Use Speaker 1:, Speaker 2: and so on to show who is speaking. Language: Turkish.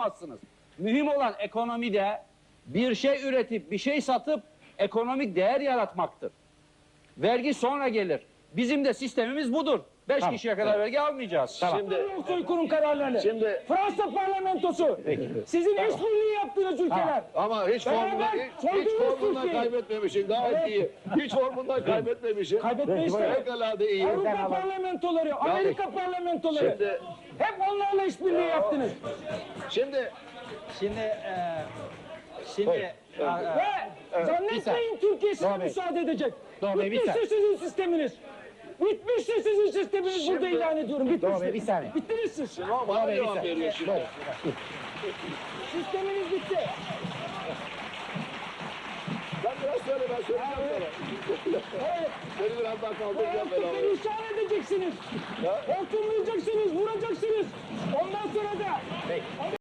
Speaker 1: yapamazsınız. Mühim olan ekonomide bir şey üretip bir şey satıp ekonomik değer yaratmaktır. Vergi sonra gelir. Bizim de sistemimiz budur. 5 kişiye kadar vergi almayacağız.
Speaker 2: Şimdi
Speaker 3: Soykırım kararlarını.
Speaker 2: Şimdi-
Speaker 3: Fransa parlamentosu. Sizin işbirliği yaptığınız ülkeler.
Speaker 2: ama hiç formundan kaybetmemişsin. Gayet iyi. Hiç formundan kaybetmemişsin.
Speaker 3: Kaybetmeyiz de.
Speaker 2: Fevkalade iyi.
Speaker 3: Avrupa parlamentoları, Amerika parlamentoları.
Speaker 2: Şimdi-
Speaker 3: Hep onlarla işbirliği yaptınız.
Speaker 2: Şimdi
Speaker 4: Şimdi
Speaker 3: Ve zannetmeyin Türkiye size müsaade edecek. Bitmiştir sizin sisteminiz. Bitmiştir sizin sisteminiz, burada ilan ediyorum. Bitmiştir.
Speaker 4: bir saniye.
Speaker 3: Bittiniz siz.
Speaker 2: bana cevap veriyor şimdi.
Speaker 3: Sisteminiz bitti.
Speaker 2: Sen biraz söyle, ben söyleyeceğim sana.
Speaker 3: Evet.
Speaker 2: Seni biraz daha kaldıracağım ben abi.
Speaker 3: Perişan edeceksiniz. Hortumlayacaksınız, vuracaksınız. Ondan sonra da